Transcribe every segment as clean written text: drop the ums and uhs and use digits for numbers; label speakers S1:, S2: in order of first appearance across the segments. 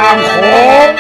S1: ามโขง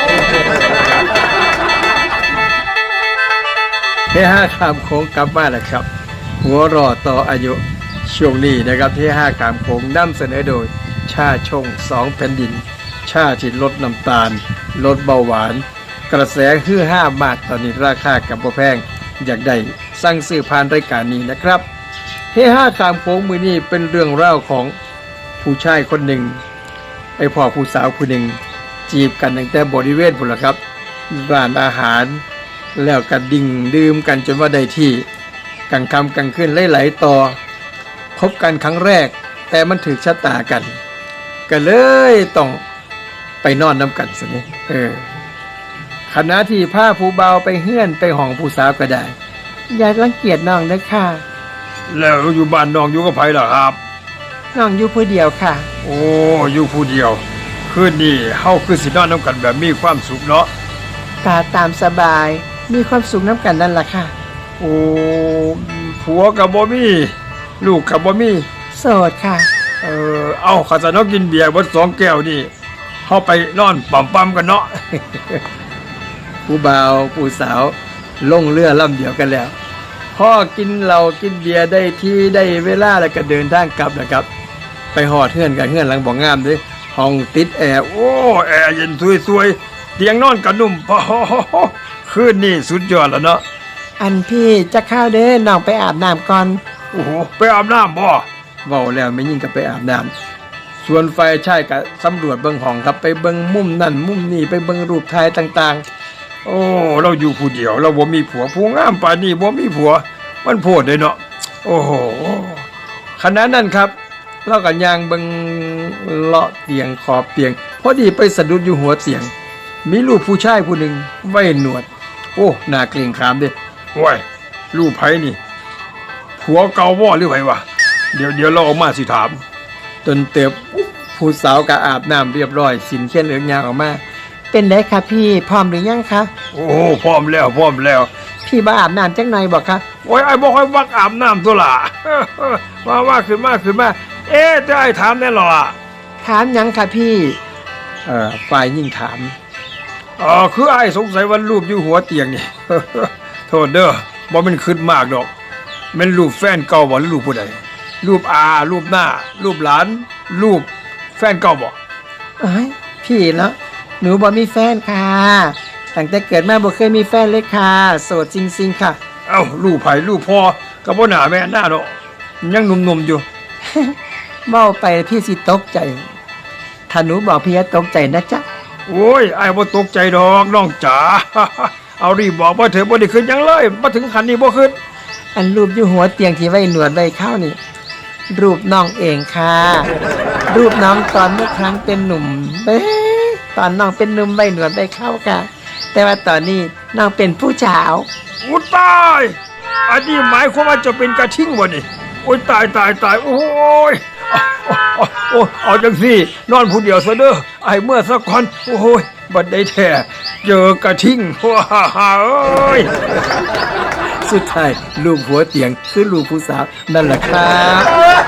S2: เฮฮาข้ามโขงกลับมาแล้วครับหัวรอต่ออายุช่วงนี้นะครับเฮฮาข้ามโขงนำเสนอโดยชาชง2แผ่นดินชาที่ลดน้ำตาลลดเบาหวานกระแสฮือฮามากตอนนี้ราคากับบ่แพงอยากได้สั่งซื้อผ่านรายการนี้นะครับเฮฮาข้ามโขงมื้อนี้เป็นเรื่องเล่าของผู้ชายคนหนึ่งไอ้พ่อผู้สาวคนหนึ่งจีบกันตั้งแต่บริเวณพุ่นล่ะครับร้านอาหารแล้วก็ดิ่งดื่มกันจนว่าได้ที่กลางค่ำกลางคืนไหลๆต่อพบกันครั้งแรกแต่มันถูกชะตากันก็เลยต้องไปนอนน้ำกันซะนี่ขณะที่พาผู้เบาไปเฮือนไปห้องผู้สาวก็ได้อย่ารังเกียจน้องนะค่ะ
S1: แล้วอยู่บ้านน้องอยู่กับไผล่ะครับ
S2: น้องอยู่ผู้เดียวค่ะ
S1: โอ้อยู่ผู้เดียวคืนนี้เฮาคือสินอนน้ำกันแบบมีความสุขเนาะ
S2: กาตามสบายมีความสุขน้ำกันนั่นล่ะค่ะ
S1: โอ้ผัวกับบ่มีลูกกับบ่มี
S2: โสดค่ะ
S1: เอาข้าจะนอกกินเบียร์เบิด2 แก้วนี่เฮาไปนอนปั๊มๆกันเนาะ
S2: ผู้บ่าวผู้สาวลงเรือลำเดียวกันแล้วพอกินเหล้ากินเบียร์ได้ที่ได้เวลาแล้วก็เดินทางกลับนะครับไปหอดเฮือนกันเฮือนหลังบ่งามเด้ห้องติดแอร์โอ้
S1: แอร์เย็นสวยๆเตียงนอนก็นุ่มพอคืนนี้สุดยอดแล้วเนาะ
S2: อันพี่จะเข้าเด้อน้องไปอาบน้ำก่อน
S1: โอ้โหไปอาบน้ำบ่
S2: เว้าแล้วไม่ยิ่งก็ไปอาบน้ำส่วนไฟใช้ก็สำรวจเบิ่งห้องครับไปเบิ่งมุมนั่นมุมนี่ไปเบิ่งรูปถ่ายต่าง
S1: ๆโอ้เราอยู่ผู้เดียวเราบ่มีผัวผู้งามปานนี้บ่มีผัวมันโพดเลยเนาะโอ้โห
S2: ขณะนั้นครับเราก็ย่างเบิ่งเลาะเตียงขอบเตียงพอดีไปสะดุดอยู่หัวเตียงมีลูกผู้ชายผู้หนึ่งไว้หนวดโอ้หน้าเกรงขามเด้
S1: โอ้ยลูกไผนี่ผัวเก่าบ่หรือไผวะเดี๋ยวเราออกมาสิถาม
S2: จนเติบผู้สาวก็อาบน้ำเรียบร้อยสินเขียนเหลืองยางออกมาเป็นได้ครับพี่พร้อมหรือยังคะ
S1: โอ้พร้อมแล้ว
S2: พี่บ่อาบน้ำจังหน่อยบอกครับ
S1: โอ้ยไอ้บ่ค่อยมักอาบน้ำตัวล่ะว่าขึ้นมาจะไอ้ถามแน่หรอ
S2: ถามยังค่ะพี่ฝ่ายยิ่งถาม
S1: คือไอ้สงสัยว่ารูปอยู่หัวเตียงนี่ โทษเด้อบ่มันขึ้นมากดอกแม่นรูปแฟนเก่าบ่หรือรูปผู้ใดรูปอารูปหน้ารูปหลานรูปแฟนเก่าบ่
S2: เอ้ยพี่แล้วหนูบ่มีแฟนค่ะตั้งแต่เกิดมาบ่เคยมีแฟนเลยค่ะโสดจริงๆค่ะ
S1: เอ้ารูปไผรูปพ่อก็บ่หน้าแม่หน้าเนาะยังหนุ่มๆอยู่
S2: เว้าไปพี่สิตกใจถ้าหนูบอกพี่จะตกใจนะจ๊ะ
S1: โอ้ยไอ้บ่ตกใจดอกน้องจ๋า เอารีบบอกว่าเธอบ่ได้ขึ้นยังเลยมาถึงขั้นนี้บ่ขึ้น
S2: อันรูปอยู่หัวเตียงที่ไว้หนวดไว้เข้านี่รูปน้องเองค่ะรูปน้องตอนเมื่อครั้งเป็นหนุ่มตอนน้องเป็นหนุ่มไว้หนวดไว้เข้าค่ะแต่ว่าตอนนี้น้องเป็นผู้สาว
S1: อุ๊ยตายอันนี้หมายความว่าจะเป็นกระทิ่งบ่นี่โอ้ยตายโอ้ยเอาจังสินอนผู้เดียวซะเด้อไอ้เมื่อสักก่อนโอ้ยบัดได้แท้เจอกระทิ่งว้าเอ้ย
S2: สุดท้ายลูกหัวเตียงคือลูกผู้สาวนั่นแหละครับ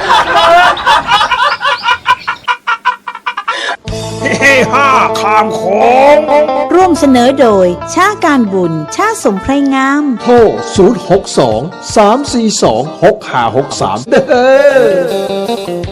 S1: เฮ้ฮ่าข้ามโขง
S3: ร่วมเสนอโดยชาการบุญชาสมไพรงาม
S4: โทร062 342 6563เด้อ